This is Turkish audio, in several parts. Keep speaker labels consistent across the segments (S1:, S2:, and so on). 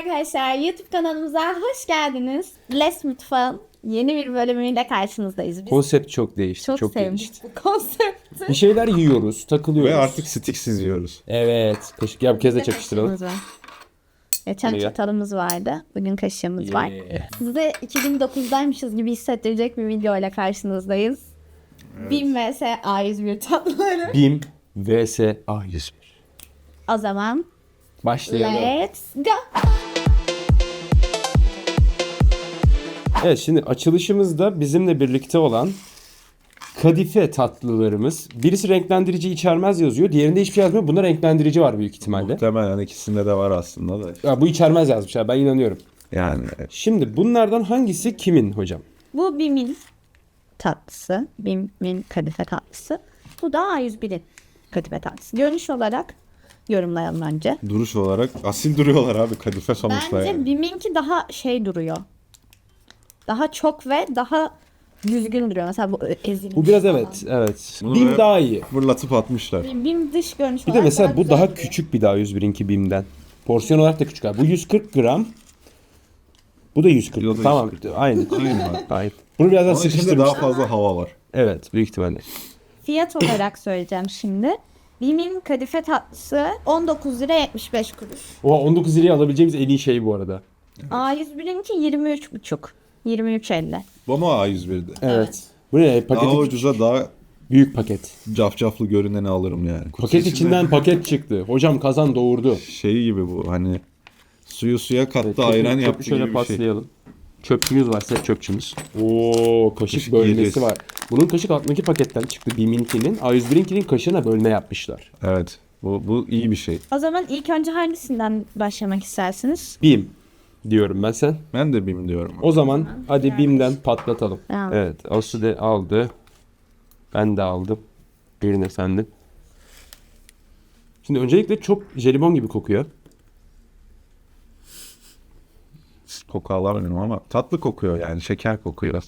S1: arkadaşlar, YouTube kanalımıza hoş geldiniz. Les Mutfağın yeni bir bölümüyle karşınızdayız. Biz
S2: Konsept çok değişti.
S1: çok sevdik
S2: değişti.
S1: bu konsepti.
S2: Bir şeyler yiyoruz, takılıyoruz.
S3: Ve artık stiksiz yiyoruz.
S2: Evet. Kaşık ya, bu kez de çakıştıralım.
S1: Kaşığımız var. Geçen
S2: Hadi gel.
S1: çatalımız vardı. Bugün kaşığımız var.
S2: Yeah.
S1: Size 2009'daymışız gibi hissettirecek bir video ile karşınızdayız. BİM vs A101 tatlıları.
S2: BİM vs A101.
S1: O zaman
S2: Başlayalım.
S1: let's go.
S2: Evet, şimdi açılışımızda bizimle birlikte olan kadife tatlılarımız. Birisi renklendirici içermez yazıyor. Diğerinde hiçbir şey yazmıyor. Bunda renklendirici var büyük ihtimalle.
S3: Muhtemelen ikisinde de var aslında da.
S2: Ya, bu içermez yazmış ya, ben inanıyorum.
S3: Yani
S2: Şimdi bunlardan hangisi kimin hocam?
S1: Bu BİM'in tatlısı. BİM'in kadife tatlısı. Bu da A101'in kadife tatlısı. Görünüş olarak yorumlayalım önce.
S3: duruş olarak asil duruyorlar abi, kadife sonuçta
S1: Bence
S3: yani.
S1: BİM'inki daha şey duruyor. Daha çok ve daha düzgün duruyor. Mesela bu ezilmiş
S2: Bu biraz
S1: falan.
S2: evet.
S3: Bunu
S2: BİM
S3: böyle
S2: daha iyi.
S3: Fırlatıp atmışlar.
S1: BİM dış görünüş
S2: Bir de
S1: olarak
S2: mesela bu
S1: güzel
S2: daha
S1: duruyor.
S2: küçük bir daha A101'inki BİM'den. Porsiyon olarak da küçük abi. Bu 140 gram. Bu da 140.
S3: Bu da
S2: Tamam.
S3: 140.
S2: Aynı.
S3: Aynen.
S2: Aynı. Bunu biraz daha
S3: Onun içinde
S2: sıkıştırmış.
S3: daha fazla hava var.
S2: Evet, büyük ihtimalle.
S1: Fiyat olarak söyleyeceğim şimdi. BİM'in kadife tatlısı 19 lira 75 kuruş.
S2: Oha, 19 liraya alabileceğimiz en iyi şey bu arada.
S1: A101'inki 23,5. 23,50.
S3: Bu mu A101'de?
S2: Evet. Bu ne?
S3: Daha
S2: Paketi
S3: ucuza daha
S2: büyük paket.
S3: cafcaflı görüneni alırım yani.
S2: Paket içinden paket çıktı. Hocam kazan doğurdu.
S3: Şey gibi bu, hani suyu suya kattı, ayran
S2: Çöpü
S3: yaptı
S2: şöyle
S3: gibi bir şey.
S2: paslayalım. Çöpçümüz varsa çöpçümüz. Oo, kaşık
S3: Kaşık
S2: bölmesi
S3: yiyeceğiz.
S2: var. Bunun kaşık altındaki paketten çıktı. BİM'inkinin. A101'inkinin kaşığına bölme yapmışlar.
S3: Evet. Bu iyi bir şey.
S1: O zaman ilk önce hangisinden başlamak istersiniz?
S2: BİM diyorum ben, sen.
S3: Ben de BİM diyorum.
S2: O zaman hadi BİM'den patlatalım.
S1: Tamam.
S2: Evet, Asu de aldı. Ben de aldım. Birine sendin. Şimdi öncelikle çok jelibon gibi kokuyor.
S3: Koku alamıyorum ama tatlı kokuyor yani, şeker kokuyor.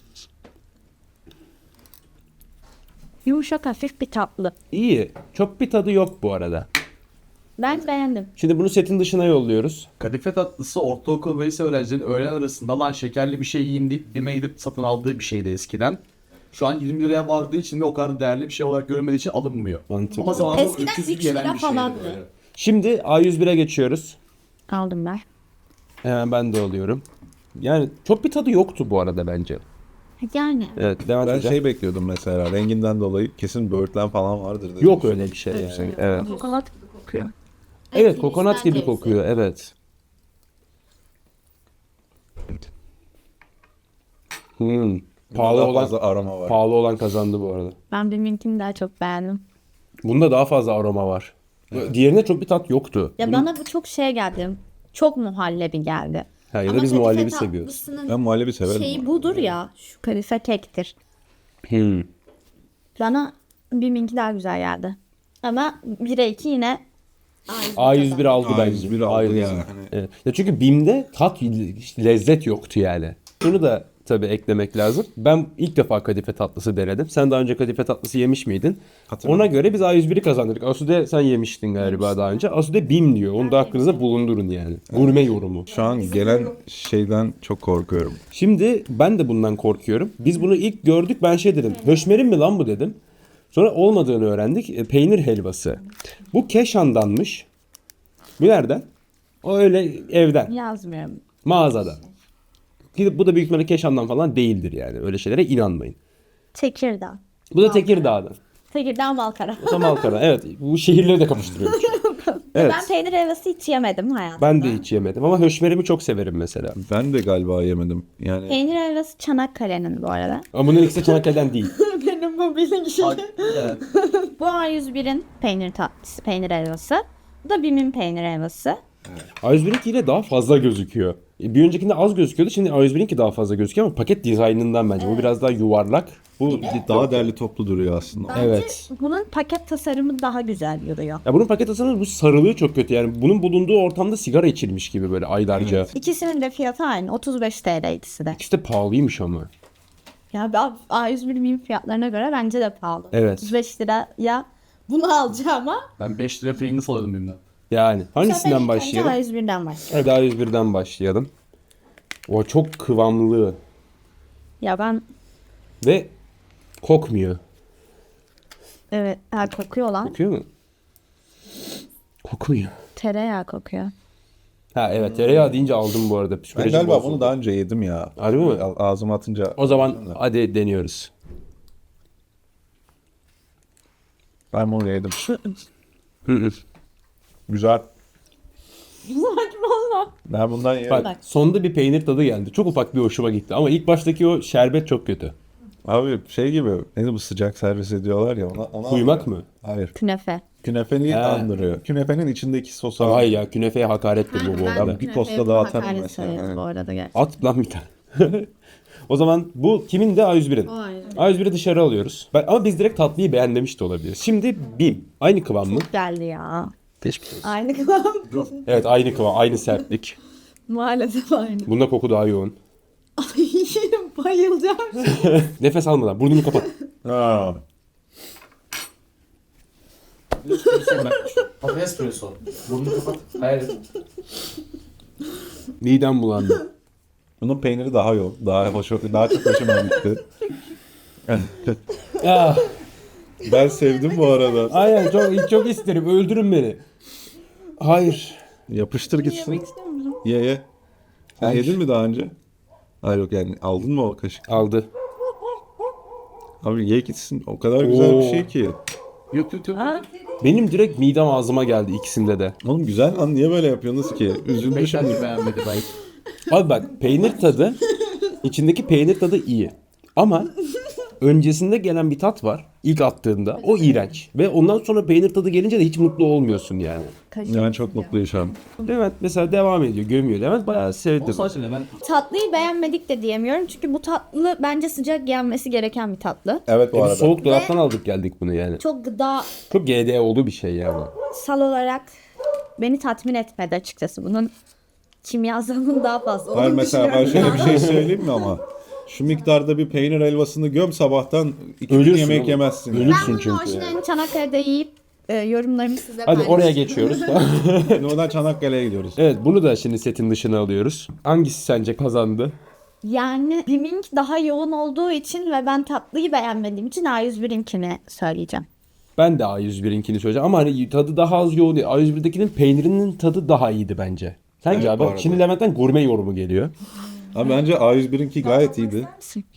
S1: Yumuşak hafif bir tatlı.
S2: İyi. Çok bir tadı yok bu arada.
S1: Ben beğendim.
S2: Şimdi bunu setin dışına yolluyoruz.
S4: Kadife tatlısı ortaokul ve lise öğrencilerin öğlen arasında lan şekerli bir şey yiyeyim deyip yemeğe gidip satın aldığı bir şeydi eskiden. Şu an 20 liraya vardığı için ve o kadar değerli bir şey olarak görülmediği için alınmıyor.
S2: Mantıklı.
S4: Ama zamanında
S1: Eskiden
S4: 300
S1: 3 lira
S4: gelen bir şeydi
S1: falandı.
S4: böyle.
S2: Şimdi A101'e geçiyoruz.
S1: Aldım ben.
S2: Hemen ben de alıyorum. Yani çok bir tadı yoktu bu arada bence.
S1: Yani.
S2: Evet, devam
S3: Ben
S2: edeceğim.
S3: şey bekliyordum mesela, renginden dolayı kesin böğürtlen falan vardır dedim.
S2: Yok öyle bir şey yani. Evet.
S1: Kokonat kokuyor.
S2: Evet, kokonat gibi kokuyor. Evet. Pahalı
S3: Daha
S2: olan
S3: fazla aroma var.
S2: pahalı olan kazandı bu arada.
S1: Ben BİM'inkini daha çok beğendim.
S2: Bunda daha fazla aroma var. Diğerine çok bir tat yoktu.
S1: Ya bana bu çok şey geldi. Çok muhallebi geldi.
S2: Ha, ya da
S1: Ama
S2: biz
S1: kadife
S2: muhallebi seviyoruz.
S1: tatlısının
S3: Ben muhallebi severim.
S1: şeyi budur ya. Şu kadife kektir. Bana BİM'inki daha güzel geldi. Ama 1'e 2 yine
S2: A101 aldı
S3: A101
S2: bence.
S3: aldı
S2: A101.
S3: ya. Hani
S2: Evet. Ya çünkü BİM'de tat, lezzet yoktu yani. Şunu da tabii eklemek lazım. Ben ilk defa kadife tatlısı denedim. Sen daha önce kadife tatlısı yemiş miydin?
S3: Hatırlamıyorum.
S2: Ona göre biz A101'i kazandık. Asude sen yemiştin galiba daha önce. Asude BİM diyor. Onu da aklınıza bulundurun yani. Gurme yorumu.
S3: şu an gelen şeyden çok korkuyorum.
S2: Şimdi ben de bundan korkuyorum. Biz bunu ilk gördük, ben şey dedim. Höşmerin mi lan bu dedim. Sonra olmadığını öğrendik. Peynir helvası. Bu Keşan'danmış. Bu nereden? O öyle evden.
S1: yazmıyorum.
S2: Mağazadan. Gidip bu da büyük ihtimalle Keşan'dan falan değildir yani. Öyle şeylere inanmayın.
S1: Tekirdağ.
S2: Bu da Tekirdağ'dan.
S1: Tekirdağ Malkara.
S2: O da Malkara. Evet. Bu şehirleri de kapıştırıyormuş. Evet.
S1: Ben peynir helvası hiç yemedim hayatımda.
S2: Ben de hiç yemedim ama höşmerimi çok severim mesela.
S3: Ben de galiba yemedim. Yani
S1: Peynir helvası Çanakkale'nin bu arada.
S2: Ama bunun ikisi de Çanakkale'den değil.
S1: Benim bu bilgi.
S4: Evet.
S1: Bu A101'in peynir tatlısı, peynir helvası. Bu da BİM'in peynir helvası.
S2: A101'inki yine daha fazla gözüküyor. Bir öncekinde az gözüküyordu. Şimdi A101'inki daha fazla gözüküyor ama paket dizaynından bence. Bu biraz daha yuvarlak. Bu
S3: daha derli toplu duruyor aslında.
S1: Bence
S2: Evet.
S1: bunun paket tasarımı daha güzel duruyor.
S2: Ya bunun paket tasarımı, bu sarılığı çok kötü. Yani bunun bulunduğu ortamda sigara içilmiş gibi böyle aylarca.
S1: İkisinin de fiyatı aynı. 35 TL ikisi de.
S2: İkisi de pahalıymış ama.
S1: Ya A101 BİM fiyatlarına göre bence de pahalı.
S2: Evet.
S1: 35 liraya bunu alacağım ama
S4: Ben 5 lira Pringles alıyordum benimden.
S2: Yani
S1: Bu sefer
S2: hangisinden
S1: ilk
S2: başlayalım?
S1: önce A101'den başlayalım.
S2: Hadi A101'den başlayalım. O çok kıvamlı
S1: Ya ben
S2: ve kokmuyor.
S1: evet kokuyor lan.
S2: Kokuyor mu? Kokmuyor.
S1: Tereyağı kokuyor.
S2: Ha evet, tereyağı deyince aldım bu arada.
S3: Ben
S2: Psikolojim
S3: galiba
S2: bozuldu.
S3: bunu daha önce yedim ya.
S2: Harbi mi?
S3: Ağzıma atınca.
S2: O zaman hadi deniyoruz.
S3: Ben bunu yedim.
S2: Hı hı.
S3: Güzel.
S1: Saçmalama.
S3: Ben bundan yerim.
S2: Bak sonunda bir peynir tadı geldi. Çok ufak bir hoşuma gitti. Ama ilk baştaki o şerbet çok kötü.
S3: Abi şey gibi. Neydi bu sıcak servis ediyorlar ya. Ona
S2: Kuymak mı?
S3: Hayır.
S1: Künefe.
S3: Künefeyi
S2: He.
S3: andırıyor. Künefenin içindeki sosu.
S2: Hayır ya, künefeye hakarettir bu arada.
S3: bir posta dağıtarım
S1: hakaret
S3: mesela.
S1: sayarız
S3: Evet.
S1: bu arada gerçekten.
S2: At lan bir tane. O zaman bu kimin de A101'in. A101'i dışarı alıyoruz. Ama biz direkt tatlıyı beğenmemiş de olabiliriz. Şimdi BİM. Aynı kıvam mı?
S1: Geldi ya.
S2: Geçmiş olsun.
S1: Aynı kıvam.
S2: Evet, aynı kıvam, aynı sertlik.
S1: Maalesef aynı.
S2: Bunda koku daha yoğun.
S1: Ay bayılacağım.
S2: Nefes almadan burnunu kapat.
S3: Ha.
S4: Espresso. Burnunu kapat. Hayır.
S2: Midem bulandı.
S3: Bunun peyniri daha yoğun. Daha çok hoşuma gitti.
S2: Ah,
S3: Ben sevdim bu arada.
S2: aynen, çok isterim. Öldürün beni. Hayır.
S3: Yapıştır gitsin. Ye. Sen yedin mi daha önce? Hayır yok yani aldın mı o kaşık?
S2: Aldı.
S3: Abi ye gitsin. O kadar güzel bir
S2: Oo.
S3: şey ki.
S4: Yok.
S2: Benim direkt midem ağzıma geldi ikisinde de.
S3: Oğlum güzel lan niye böyle yapıyorsunuz ki? Üzüldü
S4: Beşer
S3: şimdi.
S4: beğenmedi ben.
S2: Abi bak, peynir tadı, içindeki peynir tadı iyi. Ama öncesinde gelen bir tat var. İlk attığında. O iğrenç. Ve ondan sonra peynir tadı gelince de hiç mutlu olmuyorsun yani.
S3: Ben çok mutluyum şu an.
S2: Levent mesela devam ediyor. Gömüyor. Levent bayağı sevdi.
S4: Sadece ben
S1: Tatlıyı beğenmedik de diyemiyorum. Çünkü bu tatlı bence sıcak yenmesi gereken bir tatlı.
S3: Evet bu
S2: Biz
S3: arada.
S2: soğuk dolaptan aldık geldik bunu yani.
S1: Çok gıdasal
S2: Çok GD olduğu bir şey ya bu.
S1: olarak beni tatmin etmedi açıkçası. Bunun kimyasalının daha fazla
S3: Hayır
S1: olduğunu
S3: mesela ben
S1: düşünüyorum.
S3: şöyle bir şey söyleyeyim mi ama? Şu miktarda bir peynir helvasını göm sabahtan 2 gün
S2: Ölürsün
S3: yemek
S2: oğlum.
S3: yemezsin.
S2: Ölürsün
S1: Ben bunun
S2: çünkü.
S1: orijinalini Çanakkale'de yiyip yorumlarımı size
S2: Hadi
S1: paylaşacağım.
S2: oraya geçiyoruz.
S3: Oradan Çanakkale'ye gidiyoruz.
S2: Evet, bunu da şimdi setin dışına alıyoruz. Hangisi sence kazandı?
S1: Yani Bimink daha yoğun olduğu için ve ben tatlıyı beğenmediğim için A101'inkini söyleyeceğim.
S2: Ben de A101'inkini söyleyeceğim ama hani tadı daha az yoğun değil. A101'dekinin peynirinin tadı daha iyiydi bence. Sence
S3: Evet,
S2: abi?
S3: bu arada.
S2: Şimdi Levent'ten gurme yorumu geliyor.
S3: Ama bence A101'inki gayet iyiydi.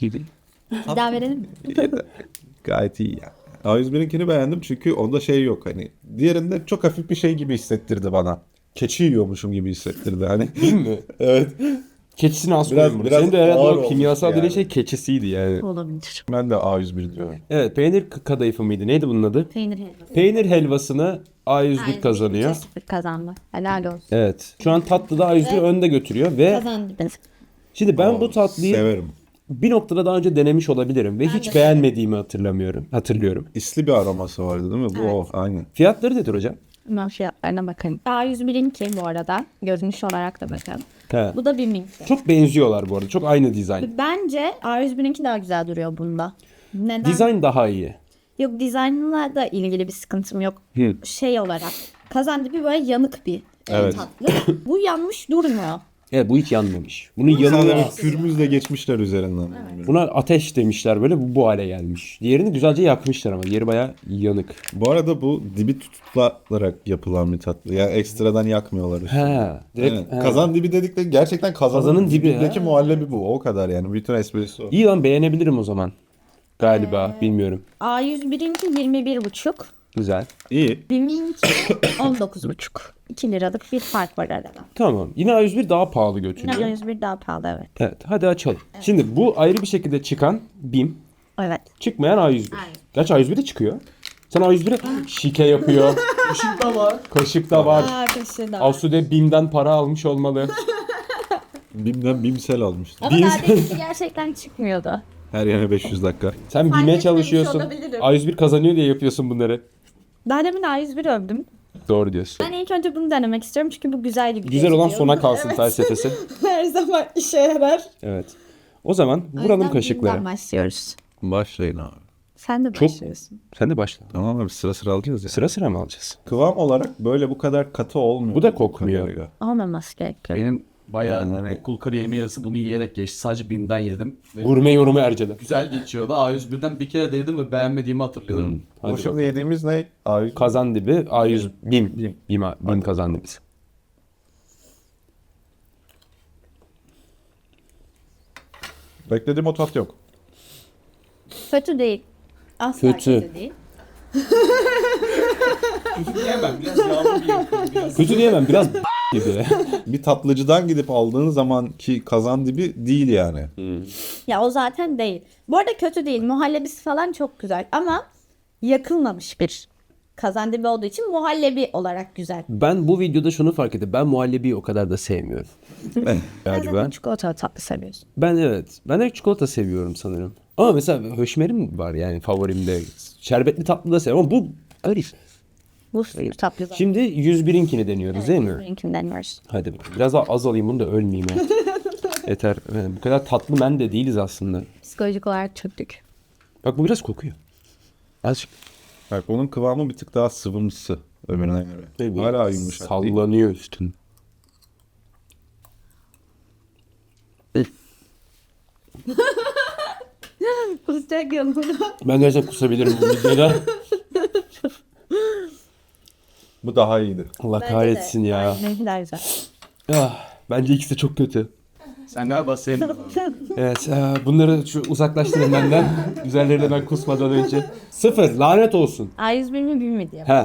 S1: Bir daha verelim mi?
S3: Gayet iyi yani. A101'inkini beğendim çünkü onda şey yok hani. Diğerinde çok hafif bir şey gibi hissettirdi bana. Keçi yiyormuşum gibi hissettirdi hani.
S2: Değil mi?
S3: Evet.
S2: Keçisini az
S3: Biraz-
S2: koyun bunu.
S3: biraz
S2: Senin de herhalde
S3: ağır
S2: o
S3: olmuş
S2: kimyasal dediğin
S3: yani.
S2: şey keçisiydi yani.
S1: Olabilir.
S3: Ben de A101 diyorum.
S2: Evet, peynir kadayıfı mıydı? Neydi bunun adı?
S1: Peynir helvası.
S2: Peynir helvasını A101 kazanıyor.
S1: 2-0 kazandı. Helal olsun.
S2: Evet. Şu an tatlıda A101 önde götürüyor ve
S1: Kazandınız.
S2: şimdi ben bu tatlıyı
S3: Severim.
S2: bir noktada daha önce denemiş olabilirim ve hiç beğenmediğimi hatırlıyorum.
S3: İsli bir aroması vardı değil mi? Bu o aynı.
S2: Fiyatları nedir hocam?
S1: Hemen fiyatlarına bakayım. A101'inki bu arada. Görünüş olarak da bakalım.
S2: He.
S1: Bu da Bimink.
S2: Çok benziyorlar bu arada. Çok aynı dizayn.
S1: Bence A101'inki daha güzel duruyor bunda. Neden?
S2: Dizayn daha iyi.
S1: Yok, dizaynla da ilgili bir sıkıntım yok.
S2: Hı.
S1: Şey olarak. Kazandibi böyle yanık bir
S3: Evet.
S1: tatlı. Bu yanmış durmuyor.
S2: Evet, bu hiç yanmamış. Bunun
S3: Sadece
S2: yanına
S3: bir pürmüzle geçmişler üzerinden.
S2: buna ateş demişler, böyle bu hale gelmiş. Diğerini güzelce yakmışlar ama diğeri bayağı yanık.
S3: Bu arada bu dibi tutularak yapılan bir tatlı. Yani ekstradan yakmıyorlar. üstüne.
S2: He. Direkt,
S3: Evet.
S2: he.
S3: Kazan dibi dedikleri gerçekten
S2: Kazanın
S3: kazanın
S2: dibi,
S3: dibindeki
S2: ha.
S3: muhallebi bu. O kadar yani. Bütün esprisi o.
S2: İyi lan, beğenebilirim o zaman. Galiba bilmiyorum.
S1: A101'inki 21,5.
S2: Güzel.
S3: İyi.
S1: Bimink 19,5. 2 liralık bir fark var arada.
S2: Tamam. Yine A101 daha pahalı
S1: Yine
S2: götürüyor.
S1: A101 daha pahalı, evet.
S2: Evet, hadi açalım. Şimdi bu ayrı bir şekilde çıkan BİM,
S1: Evet.
S2: çıkmayan A101.
S1: Aynen.
S2: Gerçi A101 de çıkıyor. Sen A101'e şike yapıyor.
S4: Işık da var.
S2: Kaşık da var.
S1: Kaşığı da.
S2: Asude BİM'den para almış olmalı.
S3: Bim'den Bimsel almıştım.
S1: Ama daha deminki gerçekten çıkmıyordu.
S3: Her yana 500 dakika.
S2: Sen BİM'e
S1: etmemiş
S2: çalışıyorsun.
S1: olabilirim.
S2: A101 kazanıyor diye yapıyorsun bunları.
S1: Daha demin A101 övdüm.
S2: Doğru diyorsun.
S1: Ben ilk önce bunu denemek istiyorum çünkü bu güzel bir
S2: Güzel olan
S1: gözüküyor.
S2: sona kalsın felsefesi.
S1: Her zaman işe yarar.
S2: Evet. O zaman
S1: O
S2: vuralım
S1: yüzden
S2: kaşıkları.
S1: Bim'den başlıyoruz.
S3: Başlayın abi.
S1: Sen de
S2: Çok-
S1: başlıyorsun.
S2: Sen de başla.
S3: Tamam abi sıra sıra alacağız ya.
S2: Sıra sıra mı alacağız?
S3: Kıvam olarak böyle bu kadar katı olmuyor.
S2: Bu da kokmuyor.
S3: kadarıyla.
S1: Olmaması gerekiyor.
S4: Benim bayağı
S3: Yani-
S4: okul kariyerimin yarısı bunu yiyerek geçti. Sadece BİM'den yedim. Ve
S2: Gurme yorumu Erce'den.
S4: güzel geçiyordu. A101'den bir kere denedim ve beğenmediğimi hatırlıyorum.
S2: Hadi
S3: Bu şimdi
S2: bakalım.
S3: yediğimiz ne? Abi
S2: Kazan dibi A100 BİM kazan dibisi.
S3: beklediğim o tat yok.
S1: Kötü değil. Asla
S2: Kötü.
S1: kötü değil.
S4: Yemem biraz yağlı bir yapıyorum. Biraz.
S2: Kötü diyemem biraz gibi.
S3: Bir tatlıcıdan gidip aldığın zamanki kazan dibi değil yani.
S1: Ya o zaten değil. Bu arada kötü değil. Muhallebisi falan çok güzel ama yakılmamış bir kazandibi olduğu için muhallebi olarak güzel.
S2: Ben bu videoda şunu fark ettim. Ben muhallebiyi o kadar da sevmiyorum. Galiba.
S1: Çikolatalı tatlı seviyorsun.
S2: Ben evet. Ben de çikolata seviyorum sanırım. Ama mesela höşmerim var yani favorimde. Şerbetli tatlı da seviyorum ama bu öyle.
S1: Bu tatlı zaten.
S2: Şimdi 101'inkini deniyoruz değil mi?
S1: Benimkinden yiyoruz.
S2: Hadi bakalım. Biraz daha az alayım bunu da ölmeyeyim ya. Yeter. Bu kadar tatlı ben de değiliz aslında.
S1: Psikolojik olarak çöktük.
S2: Bak bu biraz kokuyor. Azıcık.
S3: Bak onun kıvamı bir tık daha sıvımsı öbürüne göre. Hala yumuşak değil.
S2: Sallanıyor üstün.
S1: Kusacak yanımda.
S2: Ben gerçekten kusabilirim bu videoda.
S3: Bu daha iyiydi.
S2: Allah kahretsin ya.
S1: Ne kadar güzel.
S2: Bence ikisi de çok kötü.
S4: Sen galiba sevdin.
S2: Evet, bunları şu uzaklaştırın benden. Üzerlerine ben kusmadan önce. 0, lanet olsun.
S1: A101 mi BİM mi diye.
S2: He.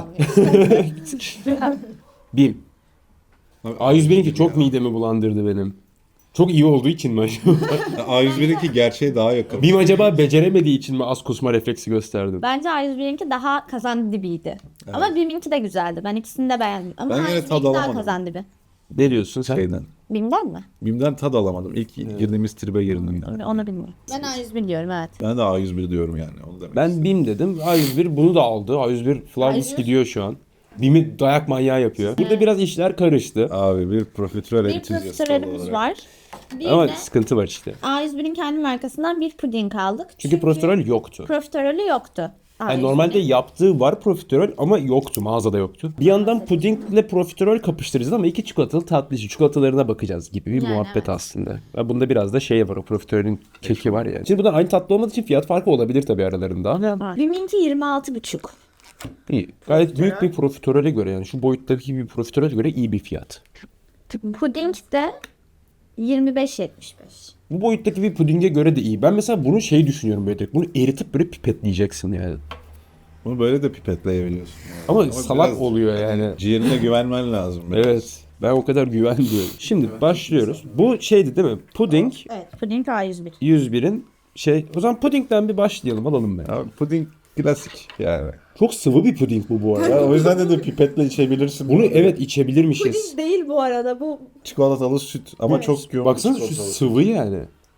S2: BİM. A101'inki çok midemi bulandırdı benim. Çok iyi olduğu için mi acaba?
S3: A101'inki gerçeğe daha yakın.
S2: BİM acaba beceremediği için mi az kusma refleksi gösterdi?
S1: Bence A101'inki daha kazandibiydi. Ama BİM'inki de güzeldi. Ben ikisini de beğendim. Ama
S3: Ben yine
S1: A101'inki
S3: tad
S1: daha
S3: alamadım.
S1: kazandibi.
S2: Ne diyorsun sen?
S3: Şeyden.
S1: BİM'den mi?
S3: BİM'den tad alamadım. İlk girdiğimiz tribe girdim. Yani.
S1: Onu bilmiyorum. Ben A101 diyorum evet.
S3: Ben de A101 diyorum yani. Onu demek
S2: Ben BİM dedim. A101 bunu da aldı. A101 Flawless
S1: A101
S2: gidiyor şu an. BİM'i dayak manyağı yapıyor. Burada biraz işler karıştı.
S3: Abi bir profiterol
S1: Bir
S3: entüzyastı
S1: profiterolümüz
S3: olarak.
S1: var. Bir
S2: Ama
S1: de
S2: sıkıntı var işte.
S1: A101'in kendi markasından bir puding aldık.
S2: Çünkü profiterol yoktu.
S1: Profiterolü yoktu.
S2: Yani
S1: A101'in.
S2: normalde yaptığı var profiterol ama yoktu. Mağazada yoktu. Bir yandan pudingle profiterol kapıştıracağız ama iki çikolatalı tatlı işi. Çikolatalarına bakacağız gibi bir
S1: Yani
S2: muhabbet
S1: evet.
S2: aslında. Ve bunda biraz da şey var. O profiterolün keki var yani. Şimdi bunlar aynı tatlı olmadığı için fiyat farkı olabilir tabii aralarında.
S1: BİM'inki 26,5.
S2: İyi. Gayet büyük bir profiterole göre yani şu boyuttaki bir profiterole göre iyi bir fiyat.
S1: Puding de 25,75.
S2: Bu boyuttaki bir pudinge göre de iyi. Ben mesela bunu şey düşünüyorum böyle direkt. Bunu eritip böyle pipetleyeceksin yani.
S3: Bunu böyle de pipetleyebiliyorsun. Yani.
S2: Ama salak
S3: biraz
S2: oluyor yani.
S3: Ciğerine güvenmen lazım. biraz.
S2: Evet. Ben o kadar güvenmiyorum. Şimdi başlıyoruz. Bu şeydi değil mi? Puding
S1: Evet, puding A101.
S2: 101'in şey. O zaman pudingden bir başlayalım. Alalım ben.
S3: Abi puding klasik yani.
S2: Çok sıvı bir puding bu arada.
S3: Ya, o yüzden de pipetle içebilirsin.
S2: Bunu evet içebilirmişiz.
S1: Değil bu arada bu.
S3: Çikolatalı süt ama çok yoğun.
S2: Baksana şu
S3: çikolatalı süt.
S2: sıvı yani.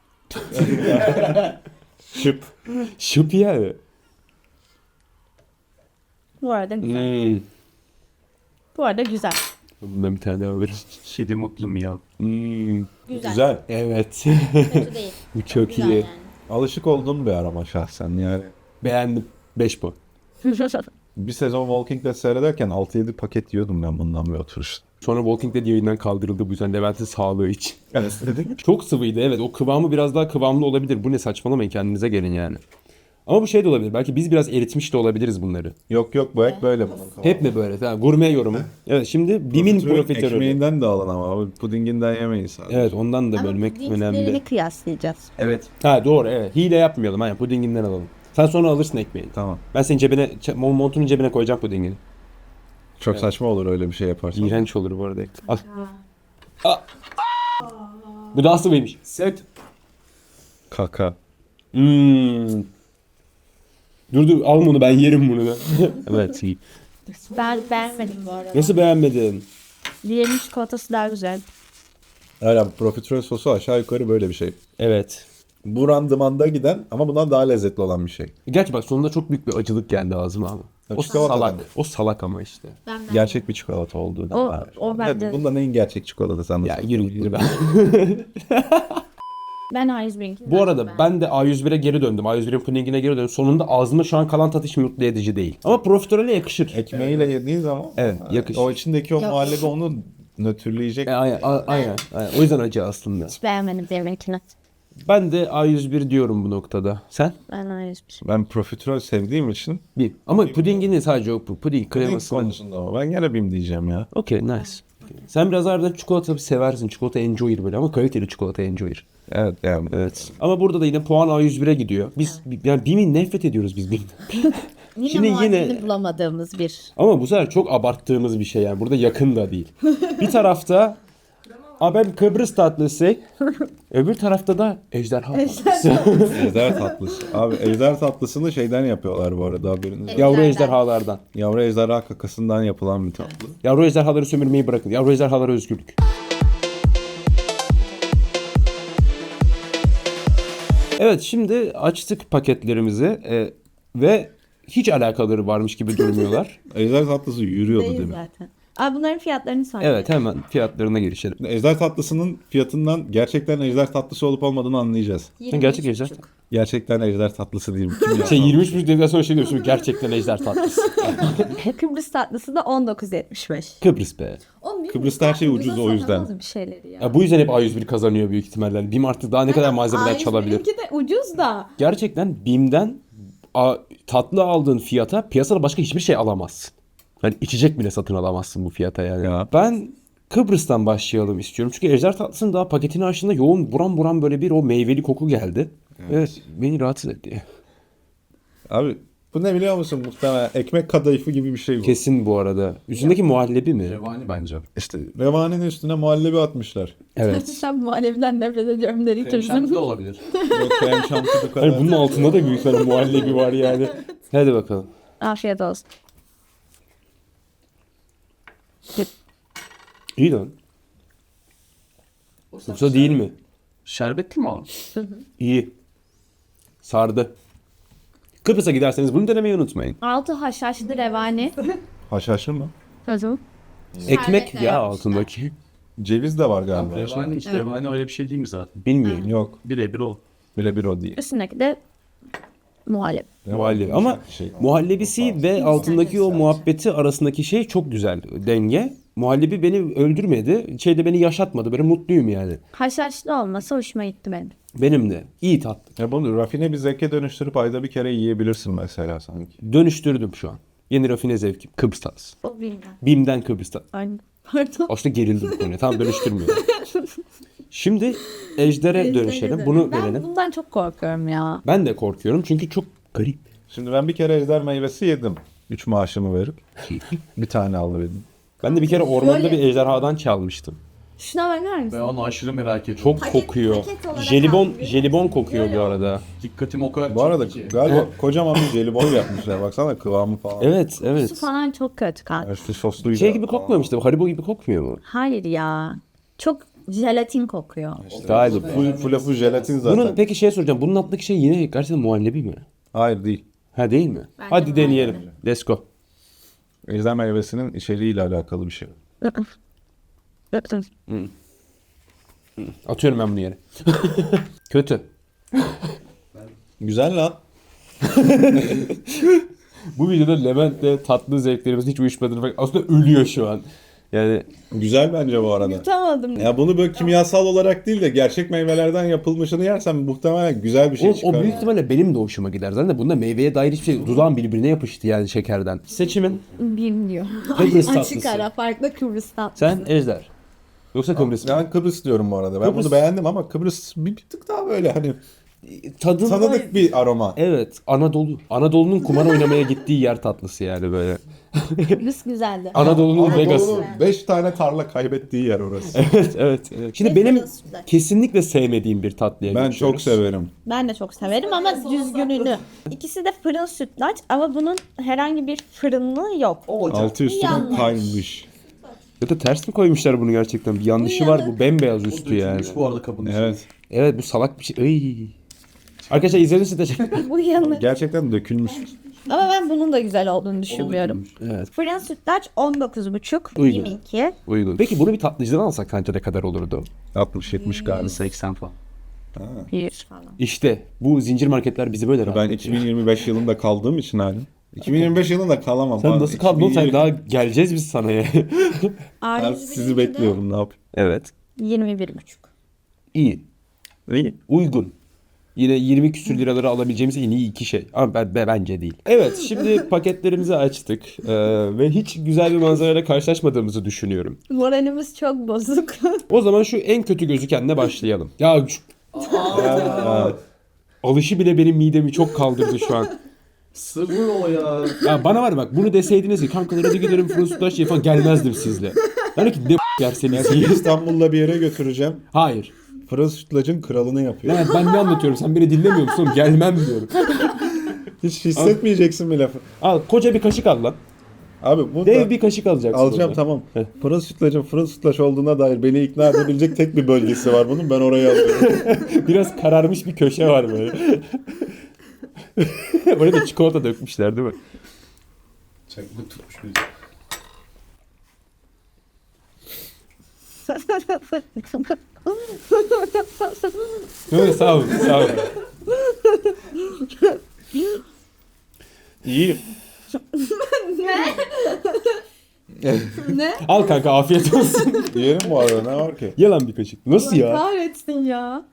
S3: Şıp.
S2: Şıp yani.
S1: Bu arada güzel. Bu arada güzel.
S2: Bundan bir tane daha veririm.
S4: Şedi mutlum ya.
S3: Güzel.
S2: Evet.
S1: Kötü değil.
S2: Bu çok
S1: Güzel
S2: iyi.
S1: yani.
S3: Alışık olduğum bir arama şahsen yani.
S2: Beğendim. 5 puan.
S3: Bir sezon Walking Dead seyrederken 6-7 paket yiyordum ben bundan bir oturuşta.
S2: Sonra Walking Dead yayından kaldırıldı bu yüzden Levent'in sağlığı için.
S3: Yani dedik.
S2: Çok sıvıydı evet. O kıvamı biraz daha kıvamlı olabilir. Bu ne saçmalamayın kendinize gelin yani. Ama bu şey de olabilir. Belki biz biraz eritmiş de olabiliriz bunları.
S3: Yok yok bu hep böyle bunun.
S2: Hep mi böyle? Tamam. Gurme yorumu. Evet şimdi BİM'in profiterolü.
S3: Ekmeğinden de alın ama abi pudinginden yemeyiz sadece.
S2: Evet ondan da
S1: Ama
S2: bölmek
S1: pudinglerini
S2: önemli.
S1: kıyaslayacağız.
S4: Evet.
S2: Ha doğru evet. Hile yapmayalım. Aynen pudinginden alalım. Sen sonra alırsın ekmeğini.
S3: Tamam.
S2: Ben senin cebine, montunun cebine koyacağım pudingini.
S3: Çok saçma olur öyle bir şey yaparsan.
S2: İğrenç olur bu arada. Al. Aa. Bu daha sıvıymış.
S4: Set.
S3: Kaka.
S2: Dur al bunu ben yerim bunu da. Evet iyi.
S1: Ben beğenmedim bu arada.
S2: Nasıl beğenmedin?
S1: Diğerinin çikolatası daha güzel.
S3: Öyle profiterol sosu aşağı yukarı böyle bir şey.
S2: Evet.
S3: Bu randımanda giden ama bundan daha lezzetli olan bir şey.
S2: Gerçi bak sonunda çok büyük bir acılık geldi ağzıma ama. O
S3: çikolatadan
S2: salak.
S3: mı?
S2: O salak ama işte.
S3: Gerçek bir çikolata olduğu
S1: O-
S3: var.
S1: o bende-
S3: Evet, bundan en gerçek çikolatası
S2: Ya
S3: anlasın.
S2: yürü ben.
S1: Ben A101'inki.
S2: Bu arada ben de A101'e geri döndüm. A101'in pudingine geri döndüm. Sonunda ağzımda şu an kalan tat hiç mutlu edici değil. Ama profiterole yakışır.
S3: Ekmeğiyle yediğin zaman
S2: Evet, yakışır.
S3: o içindeki o muhallebi onu nötrleyecek.
S2: Aynen. O yüzden acı aslında.
S1: Hiç beğenmedim diğerinkini.
S2: Ben de A101 diyorum bu noktada. Sen?
S1: Ben A101.
S3: Ben profiterol sevdiğim için
S2: Bir. Ama pudingini sadece o puding kreması.
S3: konusunda ama ben gene BİM diyeceğim ya.
S2: Okey, nice. Sen biraz harbiden çikolata seversin. Çikolata enjoyer böyle ama kaliteli çikolata enjoyer.
S3: Evet yani.
S2: Evet. Ama burada da yine puan A101'e gidiyor. Biz yani BİM'i nefret ediyoruz biz BİM'den.
S1: Yine
S2: Şimdi
S1: muadilini bulamadığımız bir.
S2: Ama bu sefer çok abarttığımız bir şey yani. Burada yakın da değil. Bir tarafta ben Kıbrıs tatlısı, öbür tarafta da ejderha tatlısı.
S3: Ejder tatlısı. Abi ejder tatlısını şeyden yapıyorlar bu arada haberiniz var.
S2: Yavru ejderhalardan.
S3: Yavru ejderha kakasından yapılan bir tatlı.
S2: Yavru ejderhaları sömürmeyi bırakın. Yavru ejderhalara özgürlük. Evet, şimdi açtık paketlerimizi ve hiç alakaları varmış gibi durmuyorlar.
S3: Ejder tatlısı yürüyordu
S1: Değil
S3: değil mi?
S1: zaten. Abi bunların fiyatlarını söyle.
S2: Evet, hemen fiyatlarına girişelim.
S3: Ejder tatlısının fiyatından gerçekten ejder tatlısı olup olmadığını anlayacağız.
S2: Gerçek ejder.
S3: Gerçekten ejder tatlısı değil mi?
S2: Şey 23 dedikten sonra şey diyorsun, gerçekten ejder tatlısı.
S1: Kıbrıs tatlısı da 19.75.
S2: Kıbrıs be.
S3: Kıbrıs'ta her şey ucuz o yüzden.
S1: Satamaz bir şeyleri ya.
S2: Ya bu yüzden hep A101 kazanıyor büyük ihtimalle. BİM artık daha ne kadar malzemeden çalabilir.
S1: A101'inki de ucuz da.
S2: Gerçekten BİM'den tatlı aldığın fiyata piyasada başka hiçbir şey alamazsın. Yani içecek bile satın alamazsın bu fiyata yani.
S3: Ya.
S2: Ben Kıbrıs'tan başlayalım istiyorum. Çünkü ejder tatlısının daha paketini açtığında yoğun buram buram böyle bir o meyveli koku geldi. Evet, beni rahatsız etti.
S3: Abi bu ne biliyor musun muhtemelen ekmek kadayıfı gibi bir şey bu.
S2: Kesin bu arada. Üstündeki muhallebi mi?
S4: Revani bence.
S3: İşte revanenin üstüne muhallebi atmışlar.
S2: Evet.
S1: Sen muhalefeden nefret ediyorum dedi
S4: Şems
S1: turizm.
S4: de olabilir.
S3: Yok krem şanti bu kadar.
S2: Hani bunun altında da büyük ihtimalle muhallebi var yani. Hadi bakalım.
S1: Afiyet olsun.
S2: İyi lan. Yoksa değil mi?
S4: Şerbetli mi o?
S2: İyi. Sardı. Kıbrıs'a giderseniz bunu denemeyi unutmayın.
S1: Altı haşhaşlı revani.
S3: Haşhaşlı mı?
S1: Özüm.
S2: Ekmek ya
S1: yapmışlar.
S2: altındaki.
S3: Ceviz de var galiba.
S4: Revani işte revani öyle bir şey değil mi zaten?
S2: Bilmiyorum.
S3: Yok.
S4: Birebir o.
S3: Birebir o değil.
S1: Üstündeki de muhallebi.
S2: Muhallebi. Ama
S3: Şey.
S2: muhallebisi ve altındaki o muhabbeti arasındaki şey çok güzel denge. Muhallebi beni öldürmedi. Şeyde beni yaşatmadı. Böyle mutluyum yani.
S1: Haşhaşlı olmasa hoşuma gitti benim.
S2: Benim de. İyi tatlı.
S3: Ya bunu rafine bir zevke dönüştürüp ayda bir kere yiyebilirsin mesela sanki.
S2: Dönüştürdüm şu an. Yeni rafine zevkim. Kıbrıs tatlısı.
S1: O bilmem.
S2: BİM'den Kıbrıs tatlısı.
S1: Aynen. Pardon.
S2: Aslında gerildim bu konuya. Tam dönüştürmüyorum. Şimdi Ejder'e dönüşelim. Bunu
S1: Ben
S2: verelim.
S1: bundan çok korkuyorum ya.
S2: Ben de korkuyorum çünkü çok garip.
S3: Şimdi ben bir kere ejder meyvesi yedim. 3 maaşımı verip. Bir tane alıverdim.
S2: Ben de bir kere ormanda
S1: Şöyle-
S2: bir ejderhadan çalmıştım.
S1: Şuna bakar mısın?
S4: Ben onu aşırı merak ediyorum.
S2: Çok kokuyor.
S1: paket olarak
S2: Jelibon
S1: aldım.
S2: jelibon kokuyor bu arada.
S4: Dikkatim o kadar
S3: Bu arada
S4: çekti ki.
S3: galiba kocaman bir jelibon yapmışlar. Baksana kıvamı falan.
S2: Evet,
S1: Su
S2: evet.
S1: falan çok kötü kanka.
S3: Üstü sosluydu.
S2: Şey gibi kokmuyor mu işte? Haribo gibi kokmuyor mu?
S1: Hayır ya. Çok jelatin kokuyor.
S2: Galiba.
S3: Full jelatin zaten.
S2: Bunun peki şey soracağım. Bunun altındaki şey yine gerçekten muhallebi mi?
S3: Hayır değil.
S2: Ha değil mi? Hadi deneyelim. Let's go.
S3: Ejder meyvesinin içeriğiyle alakalı bir şey.
S2: Atıyorum ben bunu yere. Kötü.
S3: Güzel lan.
S2: Bu videoda Levent'le tatlı zevklerimiz hiç uyuşmadığını fark aslında ölüyor şu an. Yani
S3: Güzel bence bu arada.
S1: Tutamadım.
S3: Ya bunu böyle kimyasal olarak değil de gerçek meyvelerden yapılmışını yersen muhtemelen güzel bir şey
S2: o
S3: çıkar.
S2: büyük ihtimalle benim de hoşuma gider. Zaten de bunda meyveye dair hiçbir şey dudağım birbirine yapıştı yani şekerden. Seçimin
S1: Bilmiyor.
S2: Kıbrıs
S1: Açık
S2: tatlısı.
S1: ara farklı Kıbrıs tatlısı.
S2: Sen Ejder. Yoksa Kıbrıs mı?
S3: Ben Kıbrıs diyorum bu arada. Ben
S2: Kıbrıs-
S3: bunu beğendim ama Kıbrıs bir tık daha böyle hani
S2: Tadında...
S3: tanıdık bir aroma.
S2: Evet, Anadolu. Anadolu'nun kumar oynamaya gittiği yer tatlısı yani böyle.
S1: Kıbrıs güzeldi.
S2: Anadolu'nun Vegas'ı.
S3: Anadolu'nun 5 tane tarla kaybettiği yer orası.
S2: Evet. Şimdi
S1: Ve
S2: benim
S1: Kıbrıs'ta.
S2: kesinlikle sevmediğim bir tatlıya
S3: Ben
S2: geçiyoruz.
S3: çok severim.
S1: Ben de çok severim ama düzgününü. İkisi de fırın sütlaç ama bunun herhangi bir fırınlığı yok.
S3: Altı üstüne
S1: Yanlış.
S3: kaymış.
S2: Ya da ters mi koymuşlar bunu gerçekten? Bir yanlışı var bu bembeyaz üstü yani.
S4: Bu arada kabın içinde.
S3: Evet.
S2: Evet bu salak bir şey. Iy. Arkadaşlar izlediğiniz için teşekkür
S1: Bu yanı.
S3: Gerçekten dökülmüş.
S1: Ama ben bunun da güzel olduğunu düşünmüyorum.
S2: Evet.
S1: Fırın sütlaç 19,5.
S2: Uygun.
S1: 22.
S2: Uygun. Peki bunu bir tatlıcıdan alsak sence ne kadar olurdu?
S3: 60-70 galiba.
S4: 80 falan.
S1: 100 falan.
S2: İşte bu zincir marketler bizi böyle
S3: Ben
S2: rahatlatıyor.
S3: 2025 yılında kaldığım için halim. 2025 yılında kalamam.
S2: Sen
S3: abi.
S2: nasıl kaldın oğlum? Sen
S3: 2020
S2: daha geleceğiz biz sana ya.
S3: Ben sizi bekliyorum, ne yapayım?
S2: Evet.
S1: 21,5.
S2: İyi.
S3: İyi.
S2: Uygun. Yine 20 küsür liraları alabileceğimiz en iyi iki şey. Ama bence değil. Evet, şimdi paketlerimizi açtık. Ve hiç güzel bir manzarayla karşılaşmadığımızı düşünüyorum.
S1: Moralimiz çok bozuk.
S2: O zaman şu en kötü gözükenle başlayalım. Ya şu alışı bile benim midemi çok kaldırdı şu an.
S4: Sırrı o ya.
S2: Ya bana var bak, bunu deseydiniz ki kankalar hadi gidelim fırın sütlaç falan, gelmezdim sizle. Yani ki ne yerseniz yiyin.
S3: İstanbul'da bir yere götüreceğim.
S2: Hayır.
S3: Fırın sütlacın kralını yapıyor.
S2: Ya ben ne anlatıyorum, sen beni dinlemiyor musun? Gelmem diyorum.
S3: Hiç hissetmeyeceksin bir lafı.
S2: Al koca bir kaşık al lan.
S3: Abi bu
S2: Dev
S3: da
S2: bir kaşık alacaksın.
S3: alacağım,
S2: orada.
S3: tamam.
S2: Heh.
S3: Fırın sütlacın fırın sütlaç olduğuna dair beni ikna edebilecek tek bir bölgesi var bunun. Ben oraya alıyorum.
S2: Biraz kararmış bir köşe var böyle. Oraya da çikolata dökmüşler değil mi?
S4: Çaklık tutmuş bizi.
S2: Evet, sağ ol, sağ ol. İyi.
S1: Ne?
S2: Al kanka, afiyet olsun.
S3: Yiyelim bu arada, ne var ki?
S2: Ye lan bir kaşık. Nasıl ya?
S1: Kahretsin ya.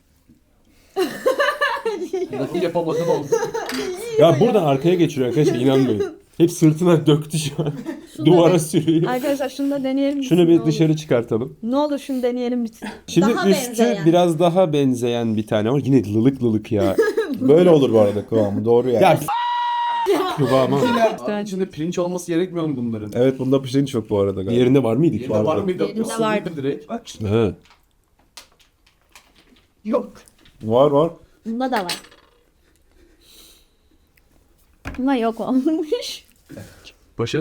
S4: Nasıl yapamadım oğlum.
S2: Ya buradan arkaya geçiriyor arkadaşlar, inanmayın. Hep sırtına döktü şu an. Duvara sürüyor.
S1: Arkadaşlar şunu da deneyelim.
S2: Şunu
S1: Ne
S2: bir
S1: olur.
S2: dışarı çıkartalım.
S1: Ne olur şunu deneyelim bitsin.
S2: Şimdi
S1: Daha
S2: üstü
S1: benzeyen.
S2: biraz daha benzeyen bir tane var. Yine lılık lılık ya.
S3: Böyle olur bu arada kıvamı, doğru yani.
S2: Ya kıvamı.
S4: Abi içinde pirinç olması gerekmiyor mu bunların?
S3: Evet, bunda pirinç yok bu arada galiba.
S2: Diğerinde var mıydı ki?
S4: Yerinde var mıydı?
S1: Yerinde
S4: Yoksa
S1: vardı.
S4: mıydı direkt? Bak işte.
S2: He.
S1: Yok.
S3: Var.
S1: Bunda da var. Bunda yok olmuş.
S4: Paşa.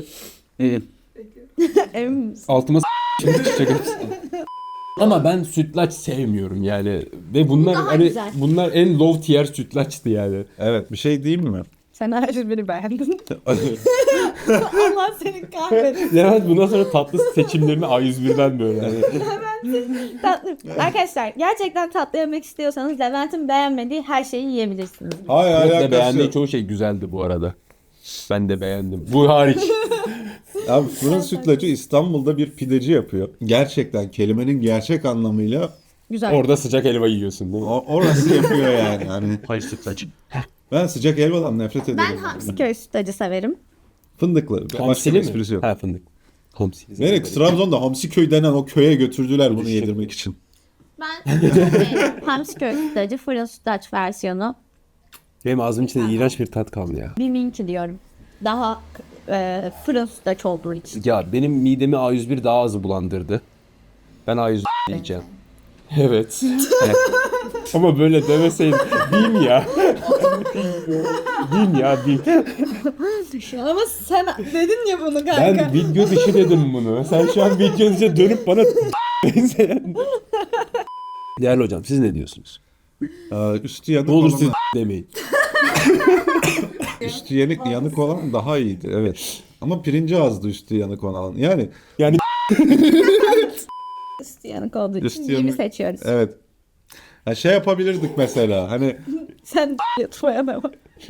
S1: Emin misin?
S2: Altıma şimdi çıkacak hepsi. Ama ben sütlaç sevmiyorum yani. Ve bunlar
S1: daha
S2: hani
S1: güzel.
S2: bunlar en low tier sütlaçtı yani.
S3: Evet, bir şey diyeyim mi?
S1: Sen her biri beğendin. Allah seni kahretsin.
S2: Levent bundan sonra tatlı seçimlerini A101'den böyle. Hani.
S1: Tatlı. Arkadaşlar gerçekten tatlı yemek istiyorsanız Levent'in beğenmediği her şeyi yiyebilirsiniz.
S3: Hayır,
S2: Yok da
S3: alakası
S2: beğendiği
S3: yok.
S2: çoğu şey güzeldi bu arada. Ben de beğendim. Bu hariç.
S3: Abi fırın sütlacı İstanbul'da bir pideci yapıyor. Gerçekten kelimenin gerçek anlamıyla
S1: Güzel.
S2: Orada sıcak helva yiyorsun değil mi?
S3: orası yapıyor yani. Hani
S4: Hayır sütlaç.
S3: ben sıcak helvadan nefret ederim.
S1: Ben Hamsiköy sütlacı severim.
S3: Fındıklı. Başka
S2: Hamsili
S3: bir
S2: mi?
S3: esprisi yok.
S2: Ha, fındık. Hamsili.
S3: Nereye? Trabzon'da Hamsiköy denen o köye götürdüler bunu yedirmek için.
S1: Ben Hamsiköy sütlacı fırın sütlaç versiyonu.
S2: Benim ağzımın içinde iğrenç bir tat kaldı ya.
S1: Bir minki diyorum. Daha fırın sütlaç olduğu için.
S2: Ya benim midemi A101 daha az bulandırdı. Ben A101 diyeceğim. Evet. Evet. Ama böyle demeseydin. Diyeyim ya. Diyeyim ya, diyeyim.
S1: Ama sen dedin ya bunu kanka.
S2: Ben video dışı dedim bunu. Sen şu an video dışı dönüp bana benzeyen. Değerli hocam, siz ne diyorsunuz?
S3: Üstü yanık
S2: Ne olur
S3: olan,
S2: siz demeyin.
S3: üstü yanık olan daha iyiydi, evet. Ama pirinci azdı üstü yanık olan. Yani
S2: Yani
S1: Üstü yanık olduğu için
S3: Üstü
S1: iyi
S3: yanık.
S1: seçiyoruz.
S3: evet. Ha, şey yapabilirdik mesela. Hani
S1: Sen yatmaya devam.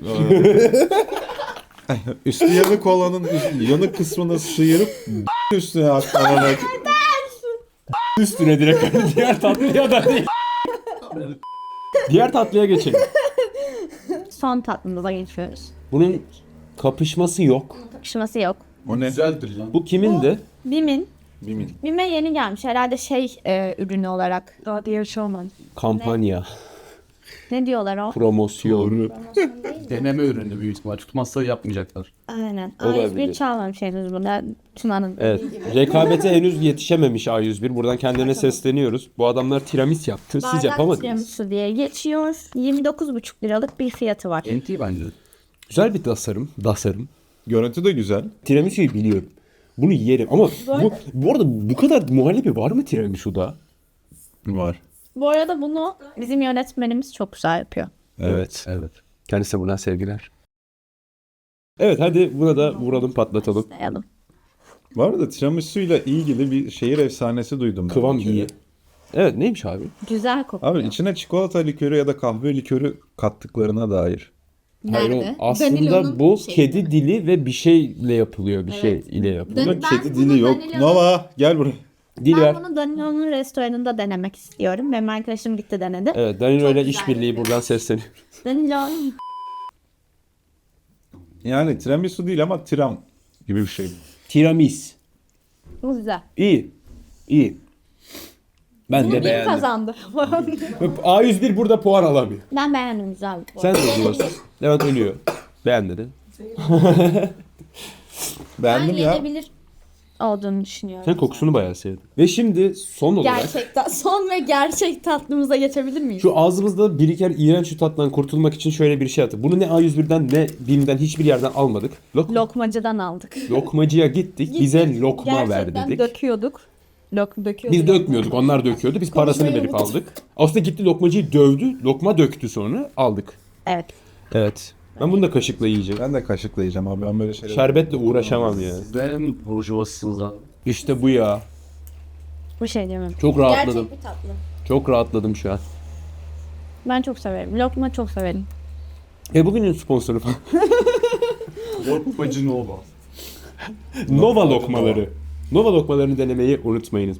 S3: üstü yanık olanın yanık kısmını sıyırıp üstüne aklanarak.
S2: üstüne direkt diğer tatlıya da değil. Diğer tatlıya geçelim.
S1: Son tatlımıza geçiyoruz.
S2: Bunun kapışması yok.
S1: Takışması yok.
S3: O ne?
S4: Güzeldir lan.
S2: Bu kimindi?
S1: Bim'in.
S3: Bimin.
S1: Bim'e yeni gelmiş. Herhalde ürünü olarak. Daha diye bir şey olmadı.
S2: Kampanya,
S1: Ne diyorlar o?
S2: promosyon.
S4: Deneme ürünü büyük ihtimal. Tutmazsa yapmayacaklar.
S1: Aynen.
S2: Olabilir.
S1: A101 çalmamış henüz bunda. Tuna'nın.
S2: Evet. Rekabete henüz yetişememiş A101. Buradan kendilerine sesleniyoruz. Bu adamlar tiramisu yaptı. Siz
S1: Bardak
S2: yapamadınız.
S1: tiramisu diye geçiyor. 29,5 liralık bir fiyatı var.
S4: NT bence.
S2: Güzel bir tasarım.
S3: Görüntü de güzel.
S2: Tiramisu'yu biliyorum. Bunu yerim ama bu arada bu kadar muhallebi var mı tiramisu'da?
S3: Var.
S1: Bu arada bunu bizim yönetmenimiz çok güzel yapıyor.
S2: Evet.
S4: Evet.
S2: Kendisine buradan sevgiler. Evet, hadi buna da vuralım, patlatalım.
S1: Sayalım.
S3: Bu arada tiramisu ile ilgili bir şehir efsanesi duydum. ben
S2: Kıvam
S3: bir kere.
S2: iyi. Evet neymiş abi?
S1: Güzel kokuyor.
S3: Abi içine çikolata likörü ya da kahve likörü kattıklarına dair.
S2: Hayır,
S1: Nerede?
S2: o aslında
S1: Vanilonun
S2: bu
S1: şeyi.
S2: kedi dili ve bir şeyle yapılıyor. Bir şey ile yapılıyor.
S1: Ben
S3: Kedi
S1: bunu
S3: dili yok.
S1: vanilyalı-
S3: Nova gel buraya.
S2: Dil ver.
S1: Ben bunu Danilo'nun restoranında denemek istiyorum. Benim arkadaşım gitti denedi.
S2: Evet Danilo ile
S1: güzel
S2: işbirliği
S1: yapıyor.
S2: buradan sesleniyor.
S1: Danilo
S3: Yani tiramisu değil ama tiram gibi bir şey.
S2: Tiramis.
S1: bu güzel.
S2: İyi. İyi. Ben de
S1: Kim
S2: beğendim.
S1: kazandı?
S2: A101 burada puan alamıyor.
S1: Ben beğendim güzel.
S2: Sen de diyorsun. Levent ölüyor. Beğen dedi.
S3: Beğendim ya.
S1: Yenebilir olduğunu düşünüyorum.
S2: Sen kokusunu bayağı sevdin. Ve şimdi son olarak
S1: Gerçekten son ve gerçek tatlımıza geçebilir miyiz?
S2: şu ağzımızda biriken iğrenç şu tattan kurtulmak için şöyle bir şey yaptık. Bunu ne A101'den ne BİM'den hiçbir yerden almadık.
S1: Lokmacıdan aldık.
S2: Lokmacıya gittik. Bize lokma ver
S1: Gerçekten
S2: dedik.
S1: döküyorduk. Döküyorduk.
S2: Biz dökmüyorduk. Onlar döküyordu. Biz parasını
S1: Konuşmayı
S2: verip
S1: unuttum.
S2: aldık. Aslında gitti lokmacıyı dövdü. Lokma döktü sonra. Aldık.
S1: Evet.
S2: Evet. Ben bunu da kaşıkla yiyeceğim.
S3: Ben de kaşıkla yiyeceğim abi. Ben böyle şeyler...
S2: Şerbetle uğraşamam ya.
S4: Ben burjuvasısınız abi.
S2: İşte bu ya.
S1: Bu şey diyemem.
S2: Çok rahatladım.
S1: Gerçek bir tatlı.
S2: Çok rahatladım şu an.
S1: Ben çok severim. Lokma çok severim.
S2: Bugünün sponsoru falan.
S4: Lokmacı Nova.
S2: Nova lokmaları. Nova lokmalarını denemeyi unutmayınız.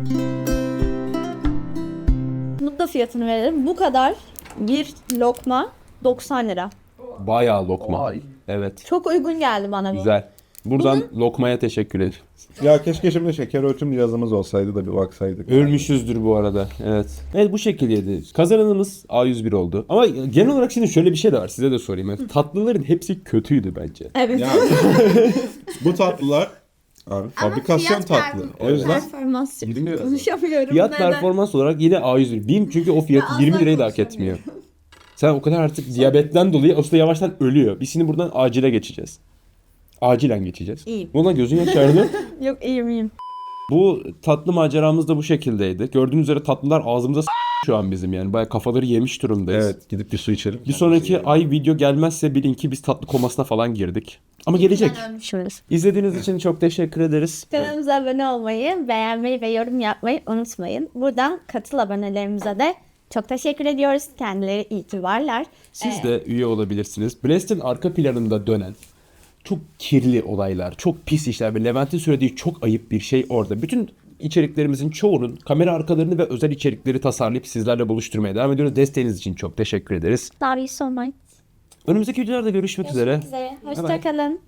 S1: Bunun da fiyatını verelim. Bu kadar bir lokma 90 lira.
S2: Bayağı lokma.
S4: Vay.
S2: Evet.
S1: Çok uygun geldi bana bu.
S2: Güzel. Buradan lokmaya teşekkür ederim.
S3: Ya keşke şimdi şeker ölçüm cihazımız olsaydı da bir baksaydık.
S2: Ölmüşüzdür bu arada. Evet. Evet bu şekildeydi. Kazananımız A101 oldu. Ama genel olarak şimdi şöyle bir şey de var. Size de sorayım. Yani tatlıların hepsi kötüydü bence.
S1: Evet.
S3: Ya bu tatlılar abi fabrikasyon tatlı. O yüzden
S1: Performans
S4: 20 lira.
S1: konuşamıyorum.
S2: Fiyat
S1: Neden?
S2: performans olarak yine A101. BİM çünkü o fiyatı
S1: asla
S2: 20 lirayı da hak etmiyor. Sen o kadar artık diyabetten dolayı aslında yavaştan ölüyor. Biz şimdi buradan acile geçeceğiz. Acilen geçeceğiz.
S1: İyiyim.
S2: Ulan gözün yaşardı.
S1: Yok iyiyim.
S2: Bu tatlı maceramız da bu şekildeydi. Gördüğünüz üzere tatlılar ağzımıza şu an bizim yani. Bayağı kafaları yemiş durumdayız.
S3: evet gidip bir su içelim.
S2: Bir sonraki ay video gelmezse bilin ki biz tatlı komasına falan girdik. Ama gelecek.
S1: Şurası.
S2: İzlediğiniz için çok teşekkür ederiz.
S1: Kanalımıza abone olmayı, beğenmeyi ve yorum yapmayı unutmayın. Buradan katıl abonelerimize de çok teşekkür ediyoruz. Kendileri itibarlar.
S2: Siz de üye olabilirsiniz. Blast'in arka planında dönen çok kirli olaylar, çok pis işler ve Levent'in söylediği çok ayıp bir şey orada. Bütün içeriklerimizin çoğunun kamera arkalarını ve özel içerikleri tasarlayıp sizlerle buluşturmaya devam ediyoruz. Desteğiniz için çok teşekkür ederiz.
S1: Love you so much.
S2: Önümüzdeki videolarda görüşmek üzere.
S1: Hoşçakalın.